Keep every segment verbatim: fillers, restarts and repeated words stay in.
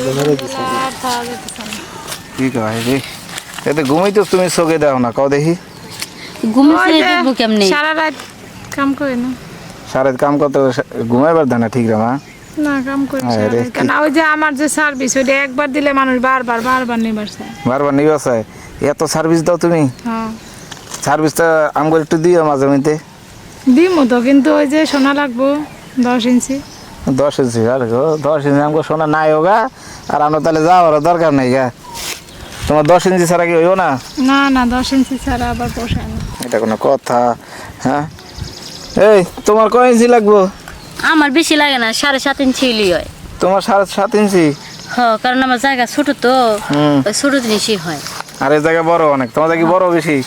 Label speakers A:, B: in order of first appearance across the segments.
A: কি কয় রে এতে ঘুমাইতো তুমি চোখে দাও না কও দেখি
B: ঘুমাইতে দেখবো কেমনে
C: সারা রাত কাম করে না
A: সারা কাম করতে ঘুমাইবার দেয় না ঠিক রে মা
C: না কাম করি কেন ওই যে আমার যে সার্ভিস ওইটা একবার দিলে মানুষ বারবার বারবার নিবার চায়
A: বারবার নিবা চায় এত সার্ভিস দাও তুমি
C: হ্যাঁ
A: সার্ভিসটা আমগো একটু দিও মাঝে মধ্যে
C: দিমু তো কিন্তু ওই যে সোনা লাগবো দশ ইঞ্চি
A: দশ ইঞ্চি আর গো দশ ইঞ্চি আমগো সোনা নাই হোগা আর আমরা তাহলে যাওয়ার দরকার নেই গা তোমার দশ ইঞ্চি ছাড়া কি হইব না
C: না না দশ ইঞ্চি ছাড়া আবার পোষায় না
A: এটা কোনো কথা হ্যাঁ এই তোমার কয় ইঞ্চি লাগবো
B: আমার বেশি লাগে না সাড়ে সাত ইঞ্চি হইলেই হয়
A: তোমার সাড়ে সাত ইঞ্চি
B: হ কারণ আমার জায়গা ছোট তো
A: হুম
B: ওই ছোট জিনিসই হয়
A: আর এই জায়গা বড় অনেক তোমার জায়গা বড় বেশি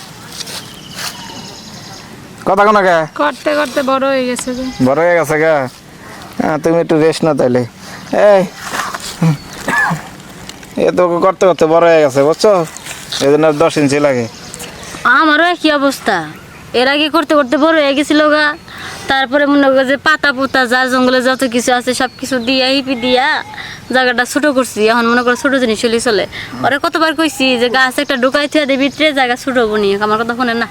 A: কথা কোনো কে
C: করতে করতে বড় হয়ে গেছে যে
A: বড় হয়ে গেছে গা হ্যাঁ তুমি একটু রেস্ট না তাইলে এই এ তো করতে করতে বড় হয়ে গেছে বুঝছো এই জন্য দশ ইঞ্চি লাগে
B: আমারও একই অবস্থা এর আগে করতে করতে বড় হয়ে গেছিল গা তারপরে মনে করো যে পাতা পুতা যা জঙ্গলে যত কিছু আছে সব কিছু দিয়া হিপি দিয়া জায়গাটা ছোট করছি এখন মনে করো ছোট জিনিস চলে চলে ওরা কতবার কইছি যে গাছ একটা ঢুকাই থুয়া দিয়ে ভিতরে জায়গা ছোট হবো নি আমার কথা শোনে না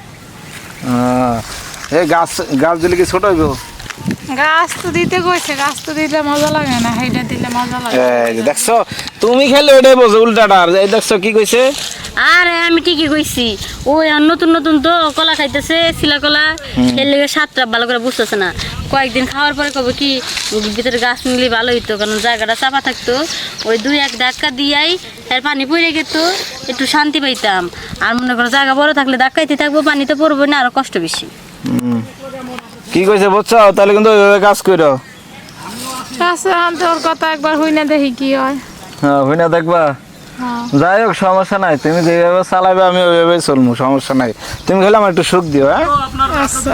A: এই গাছ গাছ দিলে কি ছোট হইব
C: গাছ তো দিতে কইছে গাছ তো দিলে মজা লাগে না হেইটা দিলে মজা লাগে
A: এই যে দেখছো তুমি খেলে ওইটাই বোঝো উল্টাটা আর এই দেখছো কি কইছে
B: আরে আমি ঠিকই কইছি ওই আর নতুন নতুন তো কলা খাইতেছে শিলা কলা এর লেগে সাতটা ভালো করে বুঝতেছে না কয়েকদিন খাওয়ার পরে কবে কি ভিতরে গাছ নিলে ভালো হইতো কারণ জায়গাটা চাপা থাকতো ওই দুই এক ধাক্কা দিয়াই এর পানি পড়ে গেত একটু শান্তি পাইতাম আর মনে করো জায়গা বড় থাকলে ধাক্কাইতে থাকবো পানি তো পড়বো না আরো কষ্ট বেশি
A: কি কইছে বুঝছো তাহলে কিন্তু ওইভাবে কাজ করো
C: গাছে আনতে ওর কথা একবার হই না দেখি কি হয়
A: হ্যাঁ হই না দেখবা
C: হ্যাঁ
A: যাই হোক সমস্যা নাই তুমি যেভাবে চালাবে আমি ওইভাবে চলবো সমস্যা নাই তুমি খেলে আমার একটু সুখ দিও হ্যাঁ
C: আচ্ছা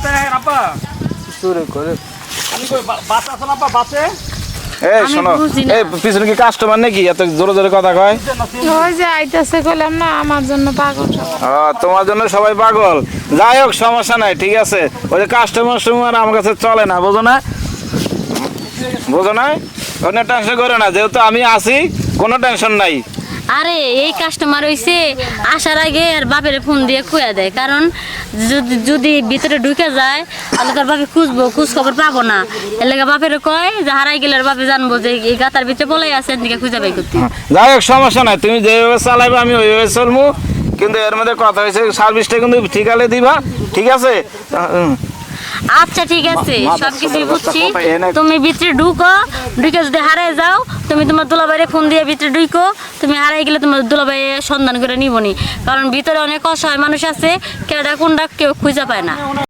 A: এই শোনো এই পিছনে কি কাস্টমার নাকি এত জোরে জোরে কথা কয়
C: ওই যে আইতাছে কইলাম না আমার জন্য পাগল সব
A: ও তোমার জন্য সবাই পাগল যাই হোক সমস্যা নাই ঠিক আছে ওই যে কাস্টমার সময় আমার কাছে চলে না বোঝো না বোঝো না কোনো টেনশন করো না যেহেতু আমি আছি কোনো টেনশন নাই
B: আরে এই কাস্টমার হইছে আসার আগে আর বাপের ফোন দিয়ে খুঁয়া দেয় কারণ যদি যদি ভিতরে ঢুকে যায় তাহলে তার বাপে খুঁজবো খোঁজ খবর পাবো না এর লেগে বাপের কয় যে হারাই গেলে বাপে জানবো যে এই গাতার ভিতরে বলাই আছে এদিকে খুঁজে বাই করতে
A: যাই হোক সমস্যা নাই তুমি যেভাবে চালাইবে আমি ওইভাবে চলবো কিন্তু এর মধ্যে কথা হয়েছে সার্ভিসটা কিন্তু ঠিকালে দিবা ঠিক আছে
B: আচ্ছা ঠিক আছে সবকিছু বুঝছি তুমি ভিতরে ঢুকো ঢুকে যদি হারাই যাও তুমি তোমার দুলাভাইয়ের ফোন দিয়ে ভিতরে ঢুকো তুমি হারাই গেলে তোমার দুলাভাই সন্ধান করে নিবনি কারণ ভিতরে অনেক অসহায় মানুষ আছে কেডা কোনটা কেউ খুঁজে পায় না।